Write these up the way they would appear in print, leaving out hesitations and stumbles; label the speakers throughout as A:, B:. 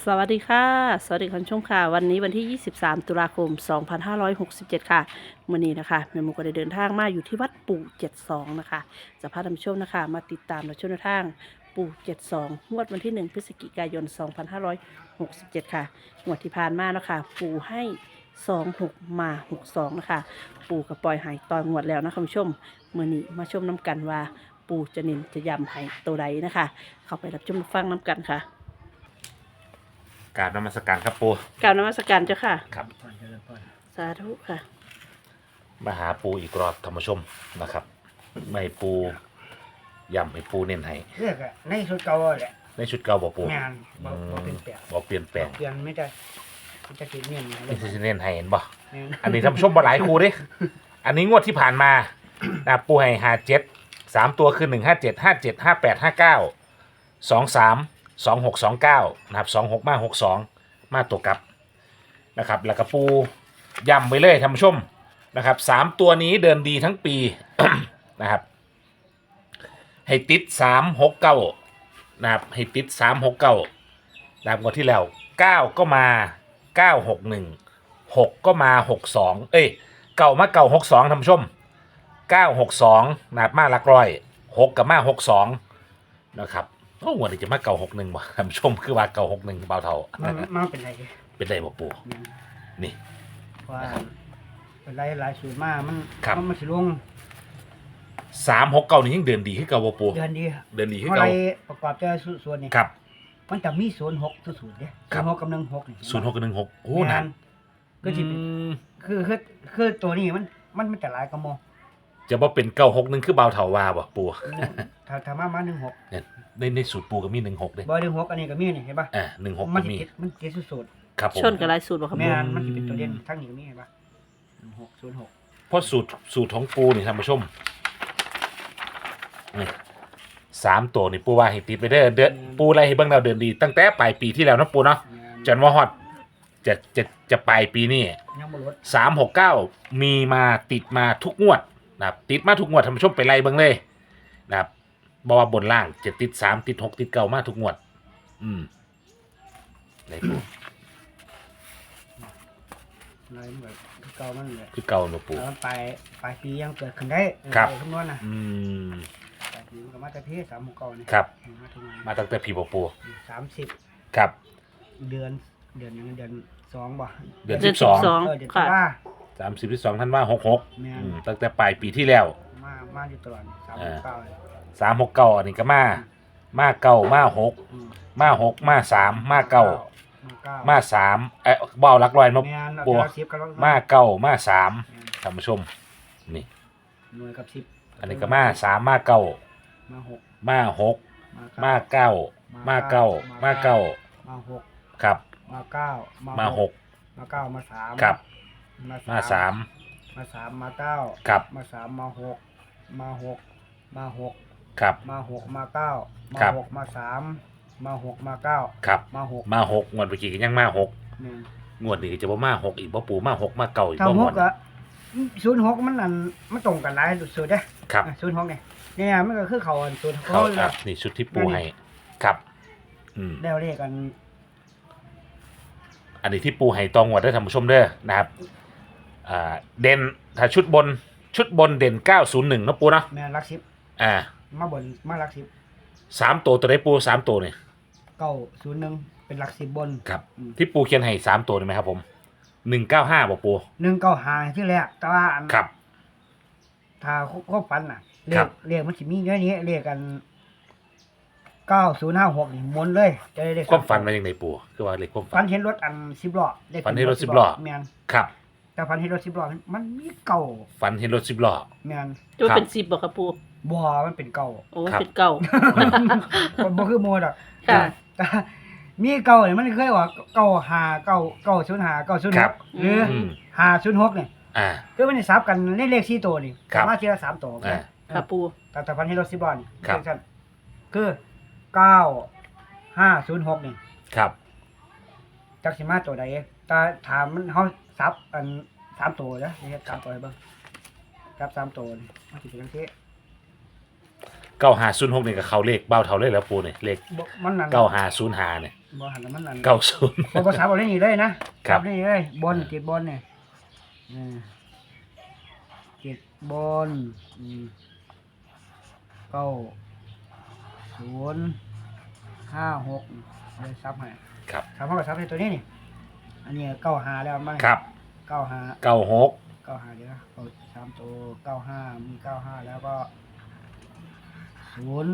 A: สวัสดีค่ะสวัสดีคุณผู้ชมค่ะวันนี้วันที่ 23 ตุลาคม 2567 ค่ะมื้อนี้นะคะแม่หมูก็ได้เดินทางมาอยู่ที่วัดปู่72นะคะจะพาท่านผู้ชมนะคะมาติดตามและชมแนวทางปู่72งวดวันที่ 1 พฤศจิกายน 2567 ค่ะงวดที่ผ่านมานะคะปู่ให้26มา62นะคะปู่กับปล่อยใหายตอนงวดแล้วนะคะคุณผู้ชมมื้อนี้มาชมน้ำกันว่าปู่จะเน้นจะย้ำให้ตัวใดนะคะเข้าไปรับชมรับฟังน้ำกันค่ะ
B: กราบนมัสการครับปู
A: กล่าวนมัสการเจ้าค่ะ
B: ครับ
A: สาธุค่ะ
B: มาหาปูอีกรอบธรรมชมนะครับไม่ปูย่ำให้ปูเน้นให้
C: เลือกอะในชุดเก่าแหละ
B: ในชุดเก่าบ่ปู
C: งานบ่เป็นแปลก
B: บ่เปลี่ยนแปลง
C: เปลี่ยนไม่ได้จะกินเนี่ย
B: นี่คือเน้นให้เห็นบ่
C: แม่น
B: อันนี้ธรรมชมบ่หลายครูเด้อันนี้งวดที่ผ่านมานะปูให้57 3ตัวคือ157 57 58 59 23 26 29นะครับ26มา62มาตัวกลับนะครับแล้วก็ปูย่ำไปเลยท่านผู้ชมนะครับ3ตัวนี้เดินดีทั้งปี นะครับให้ติด369นะครับให้ติด369นะครับงวดที่แล้ว9ก็มา961 6ก็มา62เก่ามา962ท่านผู้ชม962นะครับมาหลักร้อย6กับมา62นะครับโอ้วันนี้จะมา961ว่ะท่านผู้ชมคือว่า961เบาเท่า
C: มาเป็นไร
B: เป็นได้บ่ปู่นี่
C: ว่าเป็นไรหลายสูตรมามัน
B: ครับ
C: มันสิลง
B: 369นี่ยังเดินดีขึ้นเก่าบ่ปู่
C: เดือนดี
B: เดินดีขึ้น
C: เท่าไร
B: เก่า
C: ประกอบแต่ส่วนนี้
B: ครับ
C: มันจะมี06สูตรเด้
B: ครับ
C: 06กับ16นี่
B: 06กับ16โอ้นาน
C: ก็สิเป็น
B: อืม
C: คือตัวนี้มันจะหลายกระโม
B: จะบ่เป็น961คือเบาเท่าว่าบ่ปู่
C: ถ้ามา16
B: เนี่ยในสูตรปู่ก็มี16เด้
C: บ่16อันนี้ก็มีนี่เห็นป่ะ
B: 16
C: มั
B: ก็
C: น
B: มี
C: มันเจ็ดสูตร
B: ครับผม
A: ชนกับลายสูตรบ่ครับ
C: แม่
A: ผม
C: นมันสิเป็นตัวเด่นทั้งนี้ก็มีเห็นป่ะ1606
B: เพราะสูตรของปูนี่ท่านผู้ชมนี่3ตัวนี่ปูว่าให้ติดไปเด้อเดือนปูอะไรให้เบิ่งเราเดินดี ตั้งแต่ปลายปีที่แล้วเนาะปูเนาะจนว่าฮอดจะปลายปีนี้
C: ยังบ่ลด
B: 369มีมาติดมาทุกงวดนะครับติดมาทุกงวดท่านผู้ชมไปไล่เบิ่งเลยนะครับบอกว่าบนล่างจะติด3ติด6ติด9มาทุกงวด ไหนปู
C: อะไรมันแบบเก่ามันเลย
B: คือเก่าเนาะปู
C: แล้วปลายปียังเกิดขึ้นได้
B: ครับ
C: คำนวณนะ
B: อืม
C: ปลายปีมันก็มาแต่เพศ369นี่
B: ครับ
C: มาถึง
B: มาตั้งแต่พี่ปู
C: 30
B: ครับ
C: เดือนยังเดือน2บ่
B: เดือน
A: เดือน
B: 12
A: 12
C: เดือนตุ
A: ค่ะ
C: ลา
B: 32ท่านว่า66
C: แม่น
B: ตั้งแต่ปลายปีที่แล้ว
C: มาอยู่ตลอด369เลย
B: 369อันนี้ก็มาเก้ามา6
C: อืม
B: มา6มา3มาเก้า
C: 9
B: มา3เบาหลักร้อยมา
C: แม่น
B: ปัว
C: 10กับ
B: มาเก้ามา3
C: แม่น
B: ท่านผู้ชมนี่
C: หน่วยกับ10
B: อันนี้ก็มา3มาเก้า
C: มา6
B: มา6มาเก้ามาเก้ามาเก้า
C: มา6
B: ครับ
C: มา9
B: มา6
C: มา9มา3
B: ครับ
C: มา
B: มา3
C: มา3มา9
B: ครับ
C: มา3มา6มา6มา6
B: ครับ
C: มา6มา9มา
B: ครับ
C: 6มา3มา6มา9
B: ครับ
C: มา6
B: มา6งวดเมื่อกี้ก็ยังมา6
C: แม่น
B: งวดนี้จะบ่มา6อีกบ่ปูมา6มาเก้าอีก
C: ถ้า
B: บ่ง
C: ห
B: ว
C: ก
B: ด
C: ก็06มันนั่นมันตรงกันหลายสุดเด้
B: ครับ
C: 06เนี่ยมันก็คือเขาอันศูนย์
B: เขา
C: เขา
B: ครับนี่ชุดที่ปูให้ครับ
C: แล้วเรียกกัน
B: อันนี้ที่ปูให้ตองงวดได้ท่านผู้ชมเด้อนะครับเด่นถ้าชุดบนเด่น901เนาะปูเนาะ
C: แม่นหลัก10มาบนมาหลัก10
B: 3ตัวได้ปู3ตัวนี่
C: 901เป็นหลัก10บน
B: ครับที่ปูเขียนให้3ตัวนี่ไหมครับผม195บ่ปู
C: 195ที่แรกแต่ว่าอัน
B: ครับ
C: ถ้าครบปันน่ะเรี
B: ครั
C: ย
B: บ
C: กเรียกมันสิมีเยอะนี้เรียกกัน9056นี่หมนเลยจะได้เลข
B: ความฝันมาอย่างไรปูคือว่าเลขความ
C: ฝั
B: ฝั
C: น
B: น
C: เห็นรถอัน10ล้อเลข
B: ฝันเห็นรถ10ล้อ
C: แม่น
B: ครับ
C: แต่ฝันเห็นรถ10ล้อมันมีเก่า
B: ฝันเห็นรถ10ล้อ
C: แม่น
A: จะเป็น10บ่ครับปู
C: บ่มันเป็นเก่า
A: โอ้
B: ครับ
A: เป็นเก่า
C: บ่คือโมดอก
A: ค่ะ
C: แต่มีเก่านี่มันเคยว่า905
B: ครับ
C: 905 906หรือ
B: อืม
C: 506นี่
B: อ่า
C: คือมันได้ซับกันเลข4ตัวนี่
B: ครับ
C: มาทีละ3ตัว
B: อ่า
A: ค่ะปู
C: แต่พันให้รถ10ล้อนี่
B: ครับ
C: จังซั่นคือ9506นี่
B: ครับ
C: จักสิมาตัวใดแต่ถามมันเฮาซับอัน3ตัวเด้อนี่เฮ็ด3ตัวให้เบิ่งซับ3ตัวนี่มันสิเป็นจังซี่
B: 9506นี่ก็เข้าเลขเบ้าเท่าเลยแล้วปูนี่เลข
C: บ่มันนั่น
B: 9505เนี่ย
C: บ่หันแล้วมันอัน
B: 90
C: บ่ซับเอาได้นี่เลยนะครับ ได้นี่เลยบนติดบนเนี่ยติดบน9056เลยซับให้
B: ครับ
C: ซับเฮาก็ซับให้ตัวนี้นี่อันนี้95แล้วมัน
B: ครับ
C: 95
B: 96
C: 95เดี๋ยวเอา3ตัว95มี95แล้วก็0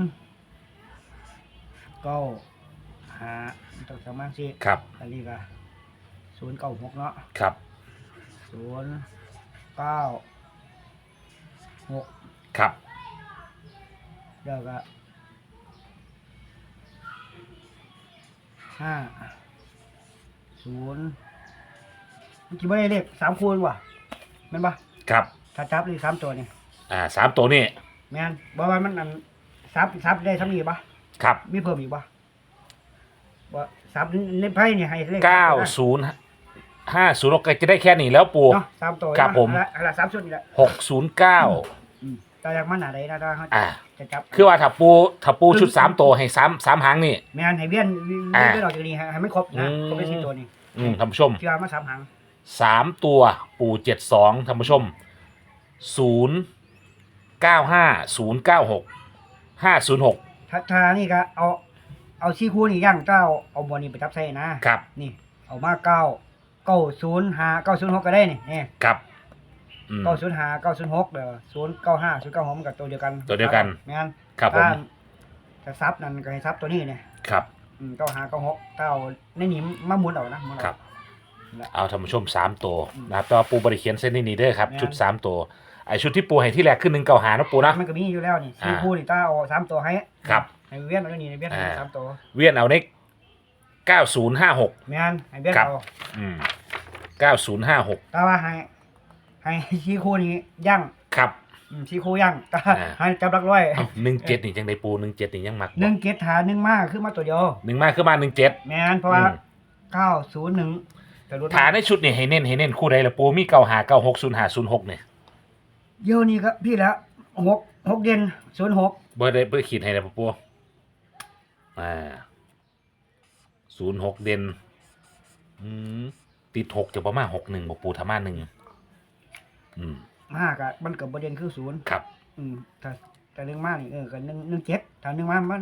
C: 95ต้องสามารถสิ
B: ครับ
C: อันนี้ก็096เนาะ
B: ครับ
C: 096
B: ครับ
C: แล้วก็50มันกี่บ่ได้เลข3คูณว่ะแม่นบ่
B: ครับ
C: ถ้าจับเลข3ตัวนี่
B: 3ตัวนี่
C: แม่นบ่ว่ามันอันซับได้ซ้ำนี้บ่
B: ครับ
C: มีเพิ่มอีกบ่บ่ซับในไพ่นี่ให้เลข
B: 90 506ก็จะได้แค่นี้แล้วปู่
C: เนาะ3ตัว
B: ครับผม
C: อันละ3ชุดนี่แหละ
B: 609
C: แต่อยากมันหน้าใดนะถ้าเฮาจะจับ
B: คือว่าถ้าปูชุด3ตัวให้3หางนี่
C: แม่นให้เวียนออกจากนี้ให้มันครบนะครบไป4ตัวนี่
B: ท่านผู้ชม
C: เชื่อมา3หาง
B: 3ตัวปู่72ท่านผู้ชม095096
C: ถ้านี่ก็เอาชี้คู่นี่ย่างเจ้าเอาบอลนี่ไปจับใส่นะครับ นี่เอามา905 906ก็ได้นี่
B: ครับ
C: 905 906เด้อ095 096มันก็ตัวเดียวกัน
B: ตัวเดียวกัน
C: แม่น
B: ครับผม
C: ถ้าซับนั่นก็ให้ซับตัวนี้นี่
B: ครับ
C: 95 96ถ้าเอาในนี้มาหมุนเอานะหมุน
B: ครับ
C: เอา
B: เอาท่านผู้ชม3ตัวนะครับแต่ว่าปูบริเขียนเส้นนี้เด้อครับ
C: แม่น
B: ชุด3ตัวไอชุดที่ปูให้ที่แรกขึ้น195นะปูนะ
C: มันก็มีอยู่แล้วนี่ชี้คู่นี่ถ้าเอา3ตัวให้
B: ครับ
C: ให้เวียนเอานี่เวียนให้3ตัว
B: เวียนเอาใน9056
C: แม่นให้เวียน
B: ครับ
C: เอา
B: 9056
C: แต่ว่าให้ชี้คู่นี้ย่าง
B: ครับ
C: ชี้คู่ย่างแต่ให้จับหลักร้อย
B: เอ้า17นี่จังไดปู17นี่ยังมักบ่
C: 1 เกตหา1มาคือมาตัวเดียว
B: 1มาคือมา17
C: แม่นเพราะว่า901แต่รถ
B: ฐานในชุดนี่ให้เน้นคู่ใดล่ะปูมี95960506เนี่ย
C: เดี๋ยวนี้ครับพี่แล้ว6เดือน06
B: เบอร์ได้ขีดให้แล้วปู06เด่นติด6จะประมาณ61บ่ปูถ้ามา1
C: มากอ่ะมันก็บ่เด่นคือ0
B: ครับ
C: ถ้า1มานี่ก็17ถ้า1มามัน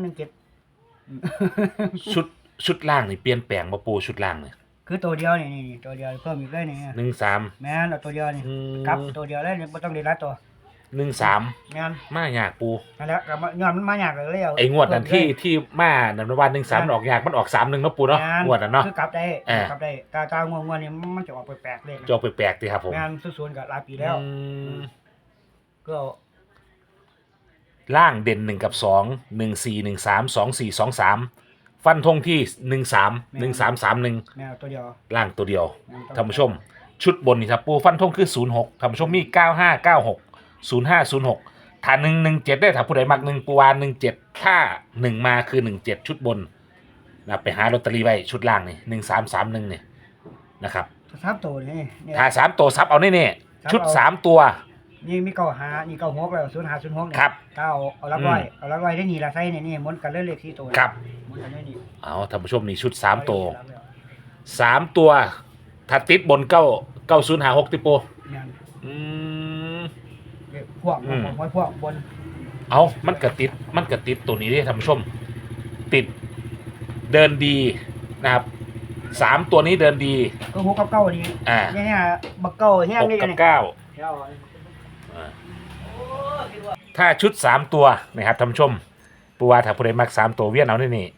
C: 17
B: ชุดล่างนี่เปลี่ยนแปลงบ่ปูชุดล่างนี่
C: คือตัวเดียวนี่ตัวเดียวเพิ่มอีกเลยนี่
B: 13
C: แม่นเอาตัวเดียวนี่กลับตัวเดียวเลยบ่ต้องได้หลายตัว
B: 13
C: แม่น
B: มายากปู
C: นั่นแหละก็ย้อนมันมายากเลยเอา
B: ไอ้งวดนั้นที่มานันวัน13มันออกยากมันออก31เนาะปูเนาะงวดนั้นเนาะ
C: คือกลับได้กลับได้ตางวงๆนี่มันจะออกแปลกๆเลย
B: จอกแปลกๆติครับผม
C: แม่นศูนย์ก็หลายปีแล้วก็
B: ล่างเด่น1กับ2 14 13 24 23ฟันธงที่13 1331
C: แม่ตัวเดียว
B: ล่างตัวเดียวท่านผู้ชม ชุดบนนี่ครับปูฟันธงคือ06ท่านผู้ชมมี9596 0506ถ้า117ได้ถ้าผู้ใดมัก1ปูวา17ถ้า1มาคือ17ชุดบนนะไปหาลอตเตอรี่ไว้ชุดล่างนี่1331นี่นะครับ
C: ทับตัวนี่
B: ถ้า3ตัวซับเอาแน่ๆชุด3ตัว
C: นี่มี95นี่96แล้ว0506นี่
B: ครับ
C: เอาลักไว้เอาลักไว้ได้นี่ละใส่นี่หมุนกันเลข4ตัว
B: ครับ
C: หมุนกันได้นี่
B: เอาท่านผู้ชมนี่ชุด3ตัว3ตัวถ้าติดบน9056ติโป
C: แม่น
B: ม
C: พวกพวกบน
B: เอามันกระติดตัวนี้ดิท่านผู้ชม ติดเดินดีนะครับ3ตัวนี้เดินดี
C: ก็6กับ9นี่เนี่ยบักเก้าแห้ง
B: 6
C: นี่
B: กับ
C: นี่
B: 9ถ้าชุด3ตัวนะครับท่านผู้ชมปูว่าถ้าผู้ใดมัก3ตัวเวียนเอานี่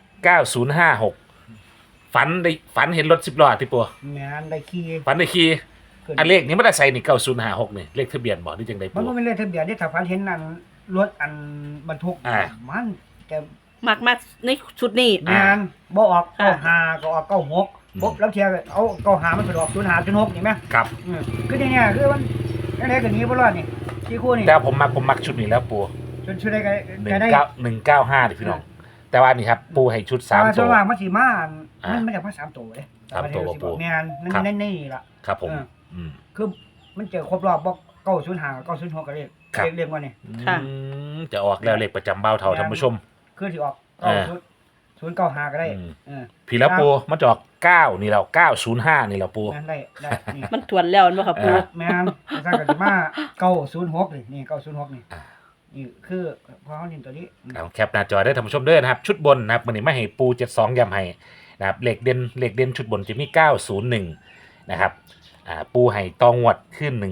B: 9056ฝันเห็นรถ10ล้อติปัว
C: แม่นได้ขี่
B: ฝันได้ขี่อันเลขนี้มันได้ใส่นี่9056นี่เลขทะเบียนบ่นี่จังได๋
C: มัน
B: ปู
C: ก็เป็นเลขทะเบียนที่ถ้าพันเห็นนั่นรถอันบรรทุกมันแต่
A: มักมาในชุดนี้
C: แม่นบ่ออก95ก็ออก96ปุ๊บแล้วเทียเอา95มันไปออก0506นี่แม่
B: ครับ
C: คือเนี่ยคือมันได้กันนี้บ่รอดนี่ที่คู่นี่
B: แต่ผมมักชุดนี้แล้วปู
C: ชุดได้ก็ได้
B: 195ดิพี่น้องแต่ว่านี่ครับปูให้ชุด3
C: ตั
B: ตัว ว
C: ว่างมันสิมามันจะมา3ตัวเด้
B: 3ตัวบ่ปู
C: แม่นนั่นนี่ล่ะ
B: ครับผม
C: คือมันเจอครบรอบบ่905 906ก็เรียกว่านี่
B: จะออกแล้วเลขประจำเบ้าเท่าท่านผู้ชม
C: คือสิออก 095ก็ได้
B: อืม
C: เออ
B: พี่แล้วปูมาจอก9นี่แล้ว905นี่แล้วปู
C: นั่นได้นี่
A: มันทวนแล้วบ่ค่ะปู
C: แม่นสร้างก็สิมา906นี่906นี่นี่คือพอเฮานี่ตัวนี้
B: เอาแคปหน้าจอได้ท่านผู้ชมเด้อนะครับชุดบนนะครับมื้อนี้มาให้ปู72ย้ำให้นะครับเลขเด่นชุดบนจะมี901นะครับปูให้ตองวดขึ้น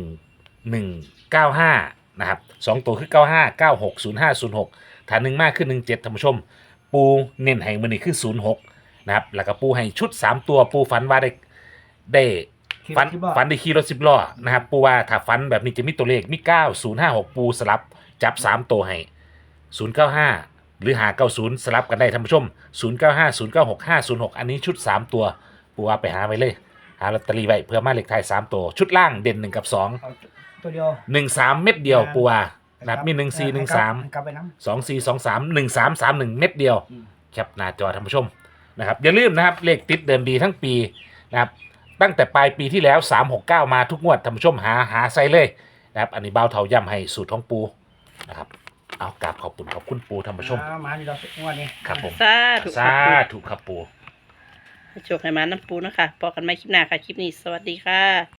B: 1195นะครับ2ตัวคือ95 96 05 06ฐาน1มากขึ้น17ท่านผู้ชมปูเน้นให้มื้อนี้คือ06นะครับแล้วก็ปูให้ชุด3ตัวปูฝันว่าได้ฝันได้ขี่รถ10ล้อนะครับปูว่าถ้าฝันแบบนี้จะมีตัวเลขมี9056ปูสลับจับ3ตัวให้095หรือ590สลับกันได้ท่านผู้ชม095 096 506อันนี้ชุด3ตัวปูว่าไปหาไว้เลยหาลอตเตอรี่ไว้เพื่อมาเลขท้าย3ตัวชุดล่างเด่น1กับ2
C: เอาตัวเดียว
B: 13เม็ดเดียวปูว่านะครับมี1413
C: กลับไปนำ
B: 2423 1331เม็ดเดียวแคปหน้าจอท่านผู้ชมนะครับอย่าลืมนะครับเลขติดเดิมดีทั้งปีนะครับตั้งแต่ปลายปีที่แล้ว369มาทุกงวดท่านผู้ชมหาใส่เลยนะครับอันนี้เบาเถาย่ำให้สูตรของปูนะครับเอากราบขอบคุณปูท่านผู้ชม
C: มานี่เรางวดนี้
B: ครับผม
A: สาธุ
B: สา
A: ค่ะ
B: ธุครับปู
A: ให้โชคให้มาน้ำปูนะคะพอกันใหม่คลิปหน้าค่ะ คลิปนี้สวัสดีค่ะ